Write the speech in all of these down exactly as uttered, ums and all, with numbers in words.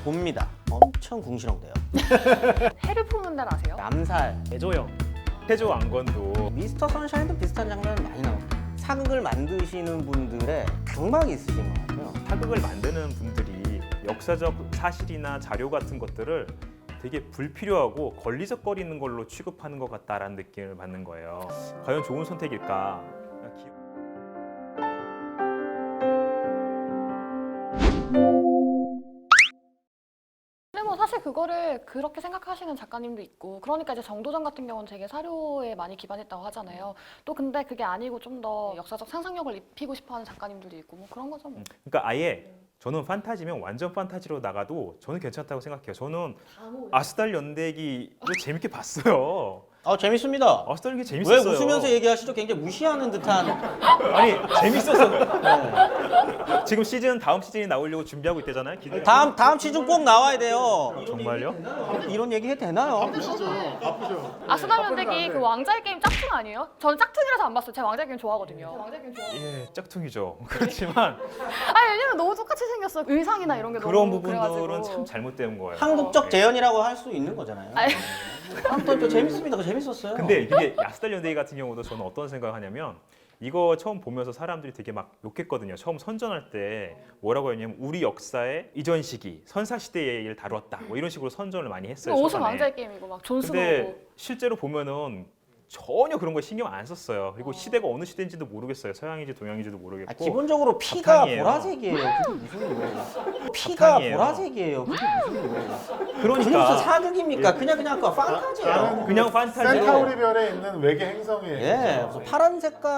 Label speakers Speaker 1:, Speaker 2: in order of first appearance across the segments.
Speaker 1: 봅니다. 엄청 궁시렁대요.
Speaker 2: 해를 품는 날 아세요?
Speaker 1: 남살,
Speaker 3: 대조영, 태조 왕건도
Speaker 1: 미스터 선샤인도 비슷한 장면 많이 나옵니다. 사극을 만드시는 분들의 강박이 있으신 것 같아요.
Speaker 3: 사극을 만드는 분들이 역사적 사실이나 자료 같은 것들을 되게 불필요하고 걸리적거리는 걸로 취급하는 것 같다라는 느낌을 받는 거예요. 과연 좋은 선택일까?
Speaker 2: 근데 뭐 사실 그거를 그렇게 생각하시는 작가님도 있고, 그러니까 이제 정도전 같은 경우는 되게 사료에 많이 기반했다고 하잖아요. 또 근데 그게 아니고 좀 더 역사적 상상력을 입히고 싶어하는 작가님들도 있고 뭐 그런 거죠 뭐.
Speaker 3: 그러니까 아예 저는 판타지면 완전 판타지로 나가도 저는 괜찮다고 생각해요. 저는 아스달 연대기를 재밌게 봤어요.
Speaker 1: 아 재밌습니다.
Speaker 3: 아스달 연대기
Speaker 1: 왜
Speaker 3: 재밌었어요.
Speaker 1: 웃으면서 얘기하시죠? 굉장히 무시하는 듯한.
Speaker 3: 아니 재밌었어.
Speaker 1: 네.
Speaker 3: 지금 시즌 다음 시즌이 나오려고 준비하고 있대잖아요. 기대.
Speaker 1: 다음 다음 시즌 꼭 나와야 돼요.
Speaker 3: 정말요?
Speaker 1: 이런 얘기 해도 되나요?
Speaker 4: 아프시죠? 아프죠?
Speaker 2: 아스달 연대기 그 왕자의 게임 짝퉁 아니에요? 저는 짝퉁이라서 안 봤어요. 제가 왕자의 게임 좋아하거든요. 왕자의 게임 좋아.
Speaker 3: 예, 짝퉁이죠. 그렇지만
Speaker 2: 아니 왜냐면 너무 똑같이 생겼어. 의상이나 이런 게
Speaker 3: 그런
Speaker 2: 너무
Speaker 3: 부분들은
Speaker 2: 그래가지고.
Speaker 3: 참 잘못된 거예요.
Speaker 1: 한국적
Speaker 3: 예.
Speaker 1: 재현이라고 할 수 있는 거잖아요.
Speaker 2: 아니.
Speaker 1: 아무튼 또 재밌습니다. 그거 재밌었어요.
Speaker 3: 근데 이게 아스달 연대기 같은 경우도 저는 어떤 생각을 하냐면 이거 처음 보면서 사람들이 되게 막 욕했거든요. 처음 선전할 때 뭐라고 했냐면 우리 역사의 이전 시기, 선사 시대의 얘기를 다뤘다. 뭐 이런 식으로 선전을 많이 했어요.
Speaker 2: 옷은
Speaker 3: 초반에.
Speaker 2: 왕자의 게임이고 막 존스노고.
Speaker 3: 근데 실제로 보면은 전혀 그런 거 신경 안 썼어요. 그리고 시대가 어느 시대인지도 모르겠어요. 서양인지 동양인지도 모르겠고.
Speaker 1: 아, 기본적으로 피가
Speaker 3: 바탕이에요.
Speaker 1: 보라색이에요. 그게 무슨 일이에요? 피가
Speaker 3: 바탕이에요.
Speaker 1: 보라색이에요. 그게 무슨 일이에요? 그게 무슨
Speaker 3: 그러니까
Speaker 1: 사극입니까? 그냥 그냥 그 판타지예요.
Speaker 3: 그냥 판타지.
Speaker 4: 센타우리별에 있는 외계 행성의
Speaker 1: 예, 그래서 파란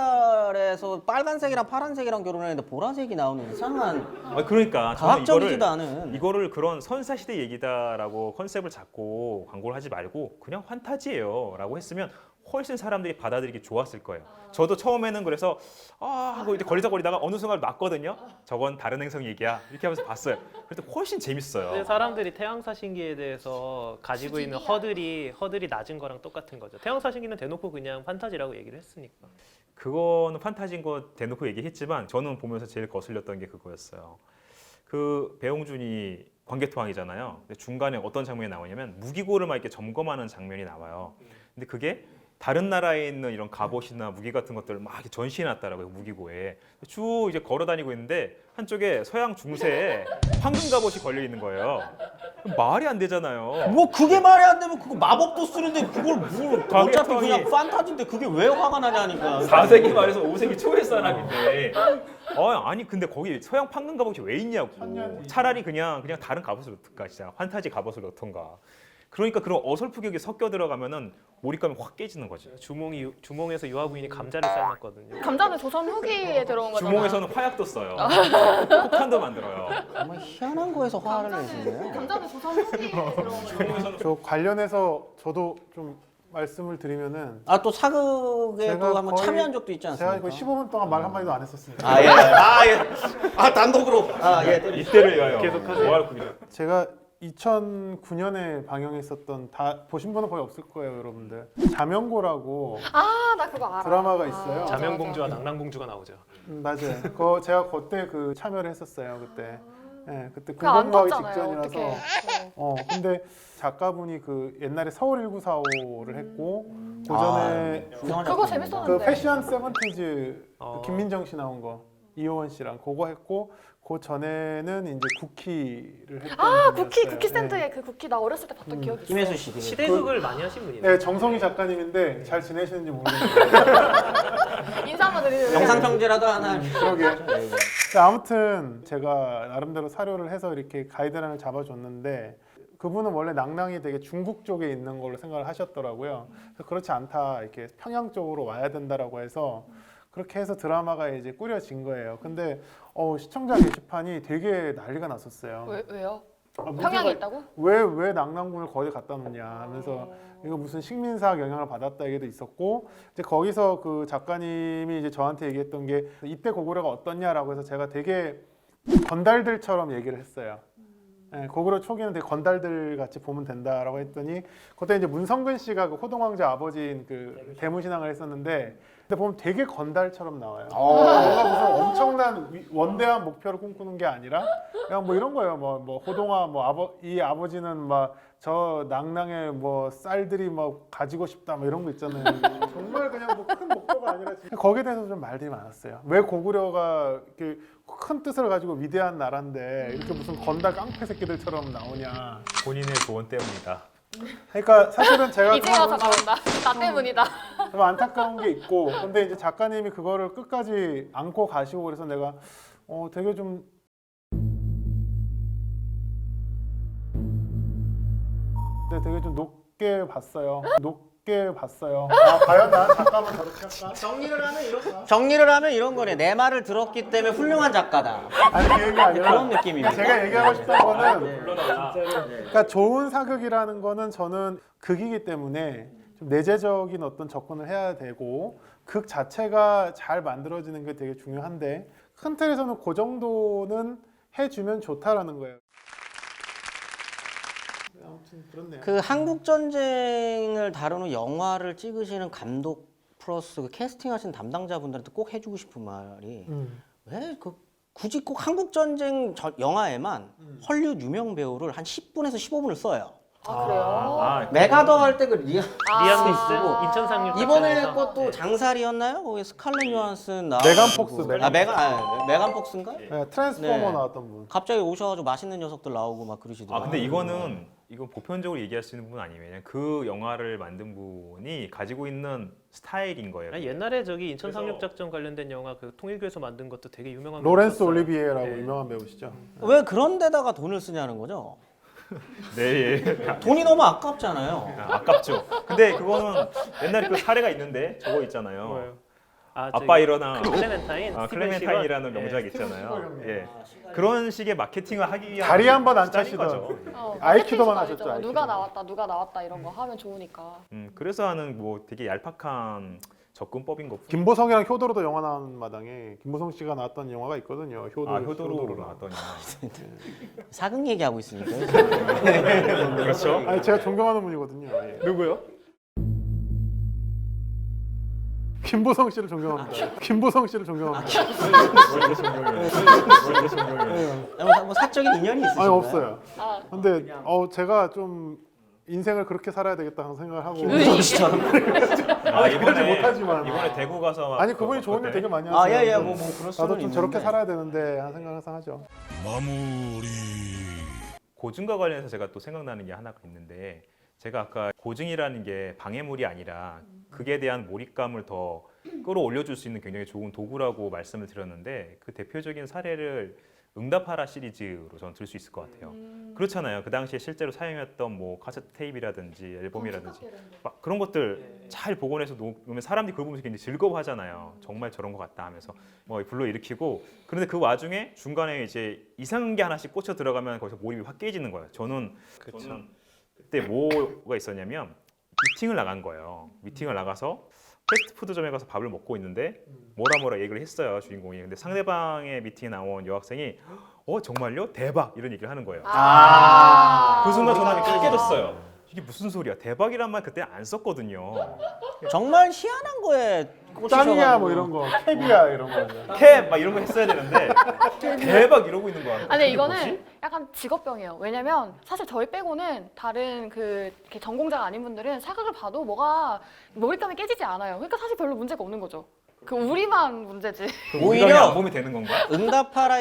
Speaker 1: 색깔에서 빨간색이랑 파란색이랑 결혼했는데 보라색이 나오는 이상한
Speaker 3: 아, 그러니까 저는
Speaker 1: 과학적이지도
Speaker 3: 이거를
Speaker 1: 않은.
Speaker 3: 이거를 그런 선사 시대 얘기다라고 컨셉을 잡고 광고를 하지 말고 그냥 판타지예요라고 했으면 훨씬 사람들이 받아들이기 좋았을 거예요. 저도 처음에는 그래서 아 하고 이제 걸리적거리다가 어느 순간 맞거든요. 저건 다른 행성 얘기야 이렇게 하면서 봤어요. 그래도 훨씬 재밌어요.
Speaker 5: 근데 사람들이 태양사신기에 대해서 가지고 있는 허들이 허들이 낮은 거랑 똑같은 거죠. 태양사신기는 대놓고 그냥 판타지라고 얘기를 했으니까.
Speaker 3: 그거는 판타지인 거 대놓고 얘기했지만 저는 보면서 제일 거슬렸던 게 그거였어요. 그 배용준이 광개토왕이잖아요. 근데 중간에 어떤 장면이 나오냐면 무기고를 막 이렇게 점검하는 장면이 나와요. 근데 그게 다른 나라에 있는 이런 갑옷이나 무기 같은 것들을 막 이렇게 전시해놨다라고요. 무기고에 쭉 이제 걸어다니고 있는데 한쪽에 서양 중세에 황금 갑옷이 걸려 있는 거예요. 말이 안 되잖아요.
Speaker 1: 뭐 그게 말이 안 되면 그거 마법도 쓰는데 그걸 뭘 어차피
Speaker 3: 광개토왕이-
Speaker 1: 그냥 판타지인데 그게 왜 화가 나냐니까.
Speaker 3: 사 세기 말에서 오 세기 초의 사람인데 어, 아니 근데 거기 서양 판금 갑옷이 왜 있냐고. 차라리 그냥 그냥 다른 갑옷을 넣던가 진짜 환타지 갑옷을 넣던가. 그러니까 그런 어설프게 여기 섞여 들어가면은 몰입감이 확 깨지는 거지.
Speaker 5: 주몽이 주몽에서 유아부인이 감자를 삶았거든요.
Speaker 2: 감자는 조선 후기에 들어온 거잖아.
Speaker 3: 주몽에서는 화약도 써요. 폭탄도 만들어요.
Speaker 1: 정말 희한한 거에서 화를 내시네요.
Speaker 2: 감자는 조선 후기에 들어온 거죠.
Speaker 4: 저 관련해서 저도 좀 말씀을 드리면은
Speaker 1: 아 또 사극에도
Speaker 4: 제가
Speaker 1: 한번
Speaker 4: 거의-
Speaker 1: 참여한 적도 있지
Speaker 4: 제가
Speaker 1: 않습니까?
Speaker 4: 이거 십오 분 동안 말 한마디도 안 했었습니다.
Speaker 1: 아 예, 아 예, 아 단독으로, 아 예.
Speaker 3: 이때를 위하여
Speaker 5: 계속하세요.
Speaker 3: 뭐할 겁니다.
Speaker 4: 제가 이천구 년에 방영했었던 다 보신 분은 거의 없을 거예요, 여러분들. 자명고라고
Speaker 2: 아, 나 그거 알아.
Speaker 4: 드라마가 있어요.
Speaker 2: 아,
Speaker 5: 자명공주와 낭랑공주가 나오죠.
Speaker 4: 음, 맞아요. 그거 제가 그때 그 참여를 했었어요, 그때. 예, 그때
Speaker 2: 그거 안
Speaker 4: 군복무하기
Speaker 2: 떴잖아요.
Speaker 4: 직전이라서.
Speaker 2: 어떡해.
Speaker 4: 어, 근데 작가분이 그 옛날에 서울 천구백사십오를 했고
Speaker 2: 음.
Speaker 4: 그 전에
Speaker 1: 아, 유명한
Speaker 2: 그거
Speaker 1: 작품입니다.
Speaker 2: 재밌었는데.
Speaker 4: 그 패션 세븐티즈
Speaker 5: 어.
Speaker 4: 김민정 씨 나온 거 이효원 씨랑 그거 했고 그 전에는 이제 쿠키를 했던
Speaker 2: 아,
Speaker 4: 분이었어요.
Speaker 2: 쿠키, 쿠키
Speaker 4: 네.
Speaker 2: 스탠드에 그 쿠키 나 어렸을 때 봤던
Speaker 4: 음.
Speaker 2: 기억이 있어.
Speaker 1: 김혜수 씨. 되게
Speaker 5: 시대극을 많이 하신 분이네요.
Speaker 4: 네, 정성희 작가님인데 잘 지내시는지 모르겠는데
Speaker 2: 인사 한번 드리는.
Speaker 1: 영상 평지라도 하나.
Speaker 4: 그러게.
Speaker 1: 예, 예.
Speaker 4: 자, 아무튼 제가 나름대로 사료를 해서 이렇게 가이드라인을 잡아줬는데 그분은 원래 낭랑이 되게 중국 쪽에 있는 걸로 생각을 하셨더라고요. 그래서 그렇지 않다, 이렇게 평양 쪽으로 와야 된다라고 해서 그렇게 해서 드라마가 이제 꾸려진 거예요. 근데 어, 시청자 게시판이 되게 난리가 났었어요.
Speaker 2: 왜, 왜요?
Speaker 4: 아, 문제가
Speaker 2: 평양에 있다고?
Speaker 4: 왜, 왜 낭랑군을 거기 갖다 놓냐 하면서
Speaker 2: 어.
Speaker 4: 이거 무슨 식민사학 영향을 받았다 얘기도 있었고 이제 거기서 그 작가님이 이제 저한테 얘기했던 게 이때 고구려가 어떻냐라고 해서 제가 되게 건달들처럼 얘기를 했어요. 네, 고구려 초기는 되게 건달들 같이 보면 된다라고 했더니 그때 이제 문성근 씨가 그 호동왕자 아버지인 그 대무신앙을 했었는데 근데 보면 되게 건달처럼 나와요.
Speaker 1: 어.
Speaker 4: 뭔가 무슨 엄청난 원대한 위- 원대한 목표를 꿈꾸는 게 아니라 그냥 뭐 이런 거예요. 뭐, 뭐 호동아 뭐 아버 이 아버지는 막 저 낭낭의 뭐 쌀들이 뭐 가지고 싶다 뭐 이런 거 있잖아요. 정말 그냥 뭐 큰 목표가 아니라 진짜 거기에 대해서 좀 말들이 많았어요. 왜 고구려가 이렇게 큰 뜻을 가지고 위대한 나라인데 이렇게 무슨 건달 깡패 새끼들처럼 나오냐.
Speaker 3: 본인의 조언 때문이다.
Speaker 4: 그러니까 사실은 제가
Speaker 2: 이제 와서
Speaker 4: 그러면서
Speaker 2: 나온다. 나 때문이다.
Speaker 4: 좀 안타까운 게 있고, 근데 이제 작가님이 그거를 끝까지 안고 가시고 그래서 내가 어 되게 좀 네, 되게 좀 높게 봤어요. 높게 봤어요. 아 과연 나 작가만 저렇게 할까?
Speaker 1: 정리를 하면 이런 정리를 하면 이런 거네. 내 말을 들었기 때문에 훌륭한 작가다.
Speaker 4: 아니 그 얘기가 아니라
Speaker 1: 그런 느낌입니다.
Speaker 4: 제가 얘기하고 싶은 거는
Speaker 3: 물러나라.
Speaker 4: 그러니까 좋은 사극이라는 거는 저는 극이기 때문에 좀 내재적인 어떤 접근을 해야 되고 극 자체가 잘 만들어지는 게 되게 중요한데 큰 틀에서는 그 정도는 해주면 좋다라는 거예요. 아무튼 그렇네요.
Speaker 1: 그 한국 전쟁을 다루는 영화를 찍으시는 감독 플러스 그 캐스팅하신 담당자분들한테 꼭 해주고 싶은 말이
Speaker 4: 음.
Speaker 1: 왜 그 굳이 꼭 한국 전쟁 저- 영화에만
Speaker 4: 음.
Speaker 1: 헐리우드 유명 배우를 한 십 분에서 십오 분을 써요.
Speaker 2: 아 그래요?
Speaker 3: 아,
Speaker 1: 메가더 할 때 그 리아
Speaker 2: 아.
Speaker 5: 리암
Speaker 1: 쓰고
Speaker 5: 니슨 인천 상륙
Speaker 1: 이번에
Speaker 5: 작전에서.
Speaker 1: 것도
Speaker 5: 네.
Speaker 1: 장살이었나요? 거기 스칼렛 요한슨 나
Speaker 4: 메간 폭스,
Speaker 1: 아 메간 아, 메간 폭스인가?
Speaker 4: 네, 트랜스포머
Speaker 1: 네.
Speaker 4: 나왔던 분.
Speaker 1: 갑자기 오셔가지고 맛있는 녀석들 나오고 막
Speaker 3: 아
Speaker 1: 그러시더라고요.
Speaker 3: 근데 이거는 이건 보편적으로 얘기할 수 있는 부분 아니에요. 그냥 그 영화를 만든 분이 가지고 있는 스타일인 거예요.
Speaker 5: 아니, 옛날에 저기 인천
Speaker 3: 그래서-
Speaker 5: 상륙 작전 관련된 영화 그 통일교에서 만든 것도 되게 유명한
Speaker 4: 로렌스
Speaker 5: 배우였어요.
Speaker 4: 올리비에라고
Speaker 5: 네.
Speaker 4: 유명한 배우시죠.
Speaker 1: 왜 그런 데다가 돈을 쓰냐는 거죠?
Speaker 3: 네, 예.
Speaker 1: 돈이 너무 아깝잖아요.
Speaker 3: 아, 아깝죠. 근데 그거는 옛날에 그 사례가 있는데 저거 있잖아요.
Speaker 5: 뭐예요? 아,
Speaker 3: 아빠
Speaker 5: 저기
Speaker 3: 일어나.
Speaker 5: 클레멘타인.
Speaker 3: 아,
Speaker 5: 스티븐
Speaker 3: 클레멘타인이라는
Speaker 5: 시건?
Speaker 3: 명작
Speaker 5: 예.
Speaker 3: 있잖아요. 예. 그런 식의 마케팅을 하기 위한
Speaker 4: 다리 한번 안
Speaker 3: 수단인
Speaker 4: 차시던.
Speaker 3: 거죠.
Speaker 2: 어,
Speaker 4: 아이키도만
Speaker 2: 마케팅도
Speaker 4: 하셨죠,
Speaker 2: 아니죠.
Speaker 4: 아이키도.
Speaker 2: 누가 나왔다, 누가 나왔다 이런 거 하면 좋으니까.
Speaker 3: 음, 그래서 하는 뭐 되게 얄팍한 접근법인 것.
Speaker 4: 김보성이랑 효도로도 영화 나온 마당에 김보성 씨가 나왔던 영화가 있거든요. 효도.
Speaker 3: 아 효도로 나왔던 영화.
Speaker 1: 사극 얘기하고 있으니까.
Speaker 3: 그렇죠.
Speaker 4: 아니 제가 존경하는 분이거든요. 예.
Speaker 3: 누구요?
Speaker 4: 김보성 씨를 존경합니다. 김보성 씨를 존경합니다.
Speaker 3: 원래 존경해요. 원래 존경해요.
Speaker 4: 예.
Speaker 1: 뭐, 뭐 사적인 인연이 있으신가요?
Speaker 4: 아니 없어요.
Speaker 2: 아,
Speaker 4: 근데 어 제가 좀 인생을 그렇게 살아야 되겠다 하는 생각을 하고.
Speaker 1: 김보성 씨처럼.
Speaker 3: 아
Speaker 4: 그러지
Speaker 3: 이번에
Speaker 4: 못하지만.
Speaker 3: 이번에 대구 가서
Speaker 4: 아니 그분이
Speaker 3: 그-
Speaker 4: 좋은 일
Speaker 3: 그때
Speaker 4: 되게 많이 하세요.
Speaker 1: 아, 예, 예, 뭐, 뭐, 그럴 수는
Speaker 4: 나도 좀 저렇게
Speaker 1: 있는데.
Speaker 4: 살아야 되는데 하는 생각을 항상 하죠.
Speaker 6: 마무리.
Speaker 3: 고증과 관련해서 제가 또 생각나는 게 하나가 있는데 제가 아까 고증이라는 게 방해물이 아니라 극에 대한 몰입감을 더 끌어올려줄 수 있는 굉장히 좋은 도구라고 말씀을 드렸는데 그 대표적인 사례를 응답하라 시리즈로 저는 들 수 있을 것 같아요. 그렇잖아요. 그 당시에 실제로 사용했던 뭐 카세트 테이프라든지 앨범이라든지 막 그런 것들 잘 복원해서 놓으면 사람들이 그걸 보면서 굉장히 즐거워하잖아요. 정말 저런 것 같다 하면서 뭐 불러일으키고 그런데 그 와중에 중간에 이제 이상한 게 하나씩 꽂혀 들어가면 거기서 몰입이 확 깨지는 거예요. 저는 저는 그때 뭐가 있었냐면 미팅을 나간 거예요. 미팅을 나가서 패스트푸드점에 가서 밥을 먹고 있는데 뭐라 뭐라 얘기를 했어요 주인공이. 근데 상대방의 미팅에 나온 여학생이 어 정말요? 대박 이런 얘기를 하는 거예요.
Speaker 2: 아.
Speaker 3: 그 순간 전화기 딱 깨졌어요. 이게 무슨 소리야? 대박이란 말 그때 안 썼거든요.
Speaker 1: 정말 희한한 거에
Speaker 4: 짱이야
Speaker 1: 꽂히셔가지고.
Speaker 4: 뭐 이런 거, 캡이야 이런 거.
Speaker 3: 캡 막 이런 거 했어야 되는데 대박 이러고 있는 거야.
Speaker 2: 아니
Speaker 3: 이게
Speaker 2: 이거는
Speaker 3: 뭐지?
Speaker 2: 약간 직업병이에요. 왜냐면 사실 저희 빼고는 다른 그 이렇게 전공자가 아닌 분들은 사극을 봐도 뭐가 몰입감이 깨지지 않아요. 그러니까 사실 별로 문제가 없는 거죠. 그 우리만 문제지.
Speaker 3: 그럼
Speaker 1: 오히려-
Speaker 3: 오히려 안 보면 되는 건가?
Speaker 1: 응답하라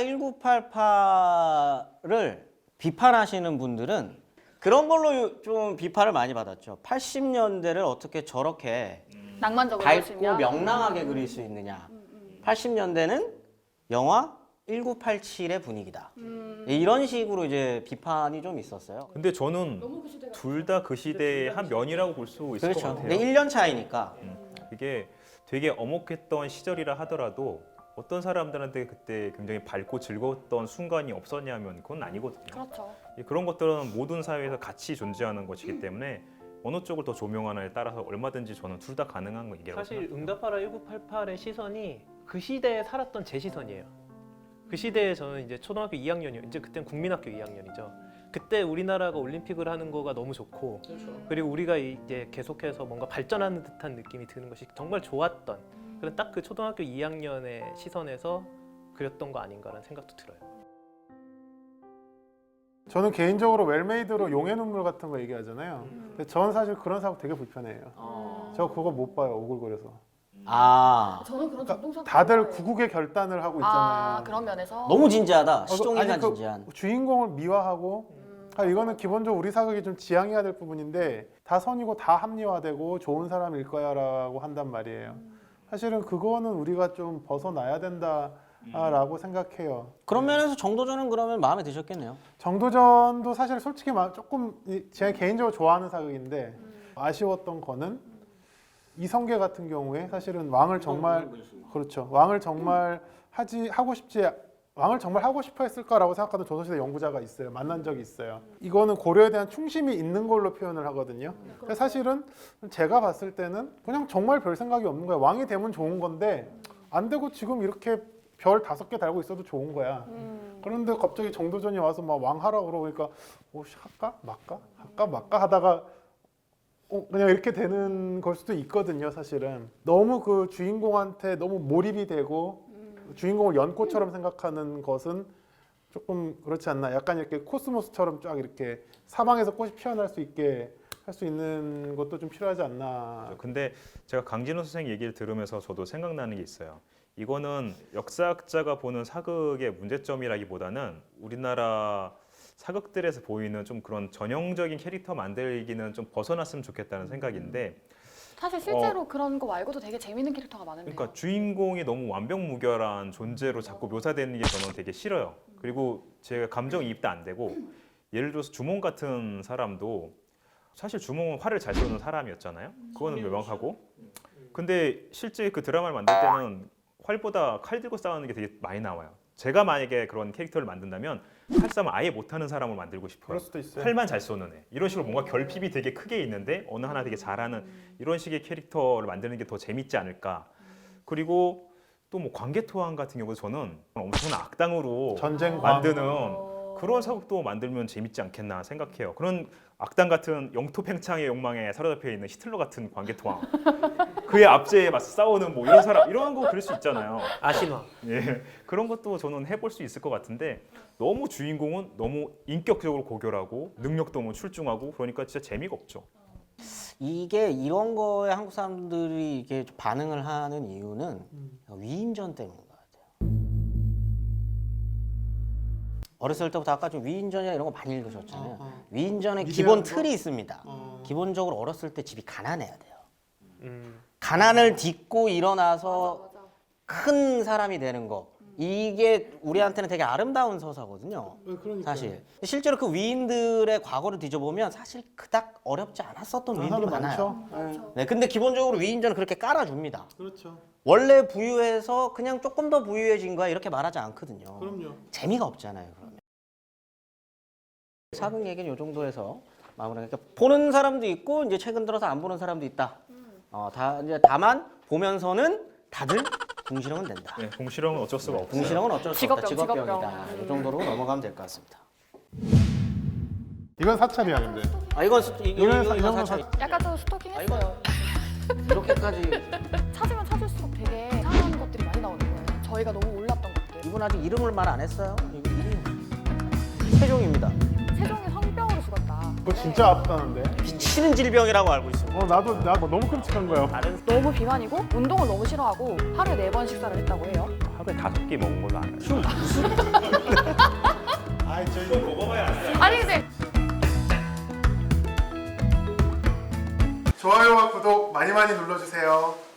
Speaker 1: 천구백팔십팔을 비판하시는 분들은 그런 걸로 좀 비판을 많이 받았죠. 팔십 년대를 어떻게 저렇게
Speaker 2: 낭만적으로
Speaker 1: 밝고
Speaker 2: 보시면.
Speaker 1: 명랑하게 그릴 수 있느냐. 팔십 년대는 영화 천구백팔십칠의 분위기다.
Speaker 2: 음.
Speaker 1: 이런 식으로 이제 비판이 좀 있었어요.
Speaker 3: 근데 저는 둘 다 그 시대의 한 면이라고 볼 수 있을 것
Speaker 1: 그렇죠.
Speaker 3: 같아요.
Speaker 1: 근데 일 년 차이니까.
Speaker 3: 이게 되게 엄혹했던 시절이라 하더라도 어떤 사람들한테 그때 굉장히 밝고 즐거웠던 순간이 없었냐면 그건 아니거든요.
Speaker 2: 그렇죠.
Speaker 3: 그런 것들은 모든 사회에서 같이 존재하는 것이기 때문에 어느 쪽을 더 조명하느냐에 따라서 얼마든지 저는 둘 다 가능한 거 얘기라고
Speaker 5: 사실
Speaker 3: 생각합니다.
Speaker 5: 응답하라 천구백팔십팔의 시선이 그 시대에 살았던 제 시선이에요. 그 시대에 저는 이제 초등학교 이 학년이요. 이제 그땐 국민학교 이 학년이죠. 그때 우리나라가 올림픽을 하는 거가 너무 좋고 그리고 우리가 이제 계속해서 뭔가 발전하는 듯한 느낌이 드는 것이 정말 좋았던 그런 딱 그 초등학교 이 학년의 시선에서 그렸던 거 아닌가라는 생각도 들어요.
Speaker 4: 저는 개인적으로 웰메이드로 용의 눈물 같은 거 얘기하잖아요. 근데 저는 사실 그런 사고 되게 불편해요.
Speaker 1: 어.
Speaker 4: 저 그거 못 봐요. 오글거려서.
Speaker 1: 아
Speaker 2: 저는 그런
Speaker 4: 그러니까
Speaker 2: 전동사
Speaker 4: 다들 구국의 결단을 하고 있잖아요.
Speaker 2: 아 그런 면에서
Speaker 1: 너무 진지하다.
Speaker 4: 어,
Speaker 1: 시종일관
Speaker 4: 아니, 그
Speaker 1: 진지한.
Speaker 4: 주인공을 미화하고 아, 이거는 기본적으로 우리 사극이 좀 지향해야 될 부분인데 다 선이고 다 합리화되고 좋은 사람일 거야라고 한단 말이에요. 사실은 그거는 우리가 좀 벗어나야 된다라고 생각해요.
Speaker 1: 그런 면에서 정도전은 그러면 마음에 드셨겠네요.
Speaker 4: 정도전도 사실 솔직히 말- 조금 이- 제가 개인적으로 좋아하는 사극인데 아쉬웠던 거는 이성계 같은 경우에 사실은 왕을 정말 그렇죠. 왕을 정말 하지 하고 싶지 왕을 정말 하고 싶어 했을까라고 생각하는 조선시대 연구자가 있어요. 만난 적이 있어요. 이거는 고려에 대한 충심이 있는 걸로 표현을 하거든요. 그래서 사실은 제가 봤을 때는 그냥 정말 별 생각이 없는 거야. 왕이 되면 좋은 건데 안 되고 지금 이렇게 별 다섯 개 달고 있어도 좋은 거야. 그런데 갑자기 정도전이 와서 막 왕하라고 그러니까 어, 씨, 할까 말까 할까 말까 하다가 어, 그냥 이렇게 되는 걸 수도 있거든요. 사실은 너무 그 주인공한테 너무 몰입이 되고 주인공을 연꽃처럼 생각하는 것은 조금 그렇지 않나. 약간 이렇게 코스모스처럼 쫙 이렇게 사방에서 꽃이 피어날 수 있게 할 수 있는 것도 좀 필요하지 않나.
Speaker 3: 근데 제가 강진호 선생 얘기를 들으면서 저도 생각나는 게 있어요. 이거는 역사학자가 보는 사극의 문제점이라기보다는 우리나라 사극들에서 보이는 좀 그런 전형적인 캐릭터 만들기는 좀 벗어났으면 좋겠다는 생각인데,
Speaker 2: 사실 실제로 그런 거 말고도 되게 재밌는 캐릭터가 많은데요.
Speaker 3: 그러니까 주인공이 너무 완벽무결한 존재로 자꾸 묘사되는 게 저는 되게 싫어요. 그리고 제가 감정이입도 안 되고, 예를 들어서 주몽 같은 사람도 사실 주몽은 활을 잘 쏘는 사람이었잖아요. 그거는 명확하고. 근데 실제 그 드라마를 만들 때는 활보다 칼 들고 싸우는 게 되게 많이 나와요. 제가 만약에 그런 캐릭터를 만든다면 칼싸움 아예 못하는 사람을 만들고 싶어요.
Speaker 4: 그럴 수도 있어요.
Speaker 3: 활만 잘 쏘는 애. 이런 식으로 뭔가 결핍이 되게 크게 있는데 어느 하나 되게 잘하는 이런 식의 캐릭터를 만드는 게 더 재밌지 않을까. 그리고 또 뭐 광개토왕 같은 경우도 저는 엄청난 악당으로
Speaker 4: 전쟁
Speaker 3: 만드는
Speaker 2: 어.
Speaker 3: 그런 사극도 만들면 재밌지 않겠나 생각해요. 그런 악당 같은 영토팽창의 욕망에 사로잡혀 있는 히틀러 같은 광개토왕, 그의 압제에 맞서 싸우는 뭐 이런 사람, 이런 거 그릴 수 있잖아요.
Speaker 5: 아신화.
Speaker 3: 예, 그런 것도 저는 해볼 수 있을 것 같은데 너무 주인공은 너무 인격적으로 고결하고 능력도 너무 출중하고 그러니까 진짜 재미가 없죠.
Speaker 1: 이게 이런 거에 한국 사람들이 이게 좀 반응을 하는 이유는 위인전 때문인 것 같아요. 어렸을 때부터 아까 좀 위인전이나 이런 거 많이 읽으셨잖아요.
Speaker 4: 어, 어.
Speaker 1: 위인전의
Speaker 4: 미디어
Speaker 1: 기본
Speaker 4: 거?
Speaker 1: 틀이 있습니다.
Speaker 4: 어.
Speaker 1: 기본적으로 어렸을 때 집이 가난해야 돼요.
Speaker 5: 음.
Speaker 1: 가난을 딛고 일어나서
Speaker 2: 맞아, 맞아.
Speaker 1: 큰 사람이 되는 거. 이게 우리한테는 되게 아름다운 서사거든요.
Speaker 4: 그러니까
Speaker 1: 사실 실제로 그 위인들의 과거를 뒤져보면 사실 그닥 어렵지 않았었던 위인들이 많아요.
Speaker 4: 많죠.
Speaker 1: 네, 근데 기본적으로 위인전은 그렇게 깔아줍니다.
Speaker 4: 그렇죠.
Speaker 1: 원래 부유해서 그냥 조금 더 부유해진 거야 이렇게 말하지 않거든요.
Speaker 4: 그럼요.
Speaker 1: 재미가 없잖아요. 그러면 사극 얘기는 이 정도에서 마무리하니까 보는 사람도 있고 이제 최근 들어서 안 보는 사람도 있다. 어, 다 이제 다만 보면서는 다들 궁시렁은 된다.
Speaker 3: 네, 공실형은 어쩔 수가 없어요.
Speaker 1: 궁시렁은 어쩔 수
Speaker 2: 직업병,
Speaker 1: 없다. 직업병이다.
Speaker 2: 직업병.
Speaker 1: 이 정도로 넘어가면 될 것 같습니다.
Speaker 4: 이건 사찰이야 근데.
Speaker 1: 아 이건 스- 이-
Speaker 4: 이건
Speaker 1: 이건
Speaker 4: 이건
Speaker 1: 사실
Speaker 2: 약간 좀 스토킹했어요.
Speaker 1: 이렇게까지
Speaker 2: 찾으면 찾을수록 되게 이상한 것들이 많이 나오는 거예요. 저희가 너무 몰랐던 것들.
Speaker 1: 이분 아직 이름을 말 안 했어요. 이거 이름이 세종입니다.
Speaker 2: 세종이 성병으로 죽었다.
Speaker 4: 그거 진짜 아프다는데.
Speaker 1: 미치는 질병이라고 알고 있습니다.
Speaker 4: 어 나도 나 너무 끔찍한 거야.
Speaker 1: 다른
Speaker 2: 너무 비만이고 운동을 너무 싫어하고 하루에 네 번 식사를 했다고 해요.
Speaker 3: 하루에 다섯 개 먹은 걸로 알아요.
Speaker 4: 아이 저희
Speaker 2: 아니 근데
Speaker 4: 좋아요와 구독 많이 많이 눌러주세요.